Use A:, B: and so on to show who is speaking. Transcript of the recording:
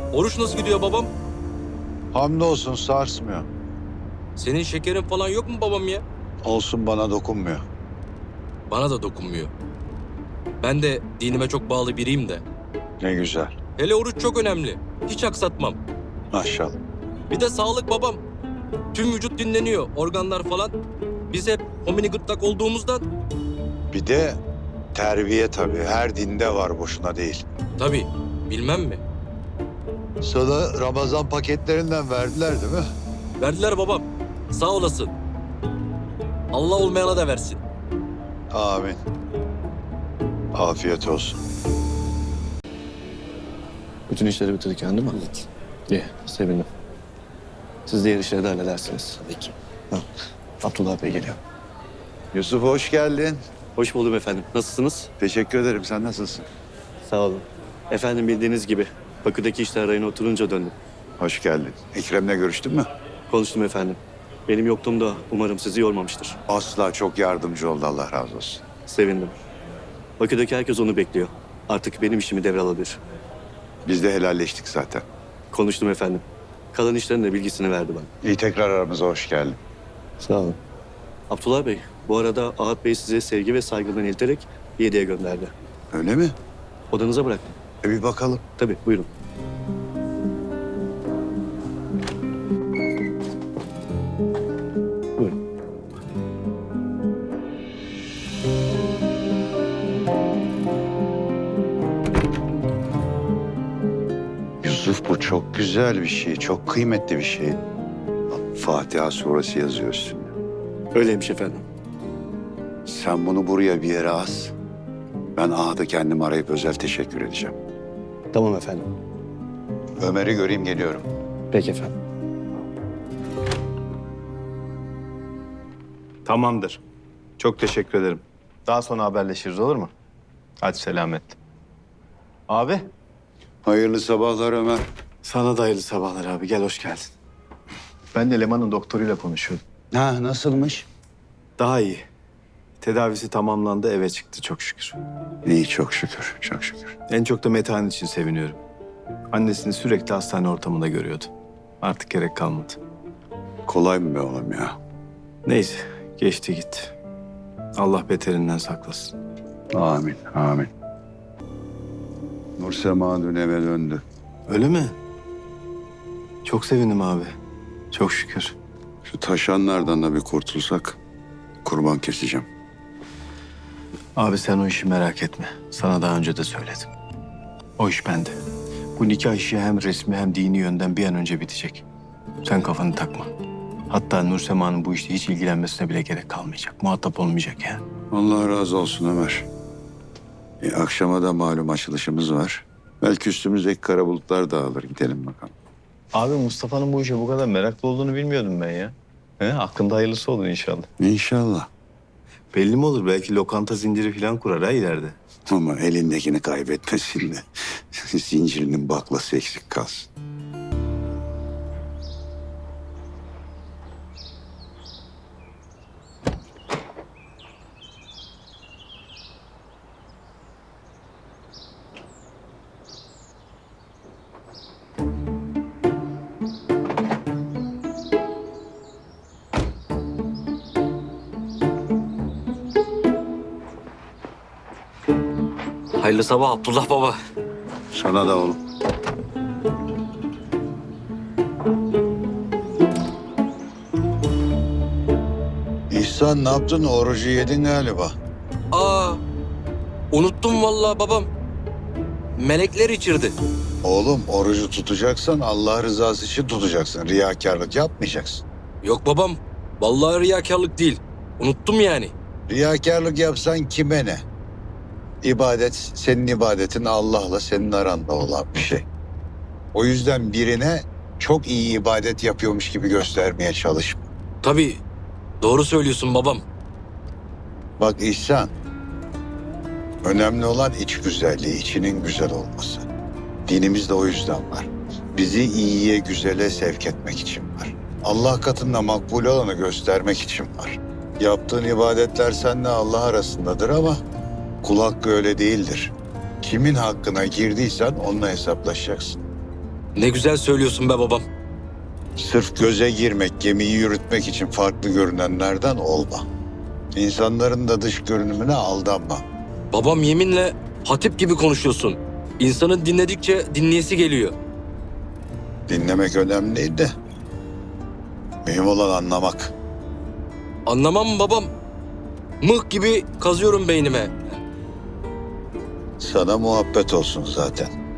A: Oruç nasıl gidiyor babam?
B: Hamdolsun sarsmıyor.
A: Senin şekerin falan yok mu babam ya?
B: Olsun bana dokunmuyor.
A: Bana da dokunmuyor. Ben de dinime çok bağlı biriyim de.
B: Ne güzel.
A: Hele oruç çok önemli. Hiç aksatmam.
B: Maşallah.
A: Bir de sağlık babam. Tüm vücut dinleniyor, organlar falan. Biz hep homini gırtlak olduğumuzdan.
B: Bir de terbiye tabii. Her dinde var, boşuna değil.
A: Tabii, bilmem mi?
B: Sana Ramazan paketlerinden verdiler değil mi?
A: Verdiler babam. Sağ olasın. Allah olmayana da versin.
B: Amin. Afiyet olsun.
C: Bütün işleri bitirdik yani değil mi? Evet. İyi, sevindim. Siz diğer işleri de halledersiniz. Tabii ki. Ha. Abdullah Bey geliyor.
B: Yusuf hoş geldin.
C: Hoş buldum efendim. Nasılsınız?
B: Teşekkür ederim. Sen nasılsın?
C: Sağ olun. Efendim bildiğiniz gibi Bakü'deki işler rayına oturunca döndüm.
B: Hoş geldin. Ekrem'le görüştün mü?
C: Konuştum efendim. Benim yokluğumda umarım sizi yormamıştır.
B: Asla, çok yardımcı oldu, Allah razı olsun.
C: Sevindim. Bakü'deki herkes onu bekliyor. Artık benim işimi devralabilir.
B: Biz de helalleştik zaten.
C: Konuştum efendim. Kalan işlerin de bilgisini verdi bana.
B: İyi, tekrar aramıza hoş geldin.
C: Sağ olun. Abdullah Bey, bu arada Ahat Bey size sevgi ve saygılarını ilterek bir hediye gönderdi.
B: Öyle mi?
C: Odanıza bıraktım.
B: Bir bakalım.
C: Tabii, buyurun. Buyurun.
B: Yusuf, bu çok güzel bir şey, çok kıymetli bir şey. Fatiha suresi yazıyor üstünde.
C: Öyleymiş efendim.
B: Sen bunu buraya bir yere as. Ben Ahad'ı kendim arayıp özel teşekkür edeceğim.
C: Tamam efendim.
B: Ömer'i göreyim, geliyorum.
C: Peki efendim.
D: Tamamdır. Çok teşekkür ederim. Daha sonra haberleşiriz, olur mu? Hadi selamet. Abi.
B: Hayırlı sabahlar Ömer.
D: Sana da hayırlı sabahlar abi. Gel, hoş geldin. Ben de Leman'ın doktoruyla konuşuyordum.
B: Ha, nasılmış?
D: Daha iyi. Tedavisi tamamlandı, eve çıktı çok şükür.
B: İyi, çok şükür, çok şükür.
D: En çok da Metehan için seviniyorum. Annesini sürekli hastane ortamında görüyordu. Artık gerek kalmadı.
B: Kolay mı be oğlum ya?
D: Neyse, geçti gitti. Allah beterinden saklasın.
B: Amin, amin. Nursema dün eve döndü.
D: Öyle mi? Çok sevindim abi. Çok şükür.
B: Şu taşanlardan da bir kurtulsak kurban keseceğim.
D: Abi sen o işi merak etme. Sana daha önce de söyledim. O iş bende. Bu nikah işi hem resmi hem dini yönden bir an önce bitecek. Sen kafanı takma. Hatta Nursema'nın bu işte hiç ilgilenmesine bile gerek kalmayacak. Muhatap olmayacak yani.
B: Allah razı olsun Ömer. Akşama da malum açılışımız var. Belki üstümüzdeki kara bulutlar dağılır. Gidelim bakalım.
D: Abi Mustafa'nın bu işe bu kadar meraklı olduğunu bilmiyordum ben ya. Aklında hayırlısı olur inşallah.
B: İnşallah.
D: Belli mi olur? Belki lokanta zinciri falan kurar ha ileride.
B: Ama elindekini kaybetmesin de zincirinin baklası eksik kalsın.
A: Hayırlı sabah Abdullah baba.
B: Sana da oğlum. İhsan, ne yaptın? Orucu yedin galiba.
A: Aa, unuttum vallahi babam. Melekler içirdi.
B: Oğlum, orucu tutacaksan Allah rızası için tutacaksın. Riyakarlık yapmayacaksın.
A: Yok babam, vallahi riyakarlık değil. Unuttum yani.
B: Riyakarlık yapsan kime ne? İbadet, senin ibadetin Allah'la senin aranda olan bir şey. O yüzden birine çok iyi ibadet yapıyormuş gibi göstermeye çalışma.
A: Tabii, doğru söylüyorsun babam.
B: Bak İhsan, önemli olan iç güzelliği, içinin güzel olması. Dinimiz de o yüzden var. Bizi iyiye, güzele sevk etmek için var. Allah katında makbul olanı göstermek için var. Yaptığın ibadetler seninle Allah arasındadır ama kul hakkı öyle değildir. Kimin hakkına girdiysen onunla hesaplaşacaksın.
A: Ne güzel söylüyorsun be babam.
B: Sırf göze girmek, gemiyi yürütmek için farklı görünenlerden olma. İnsanların da dış görünümüne aldanma.
A: Babam yeminle hatip gibi konuşuyorsun. İnsanın dinledikçe dinleyesi geliyor.
B: Dinlemek önemli de mühim olan anlamak.
A: Anlamam mı babam? Mıh gibi kazıyorum beynime.
B: Sana muhabbet olsun zaten.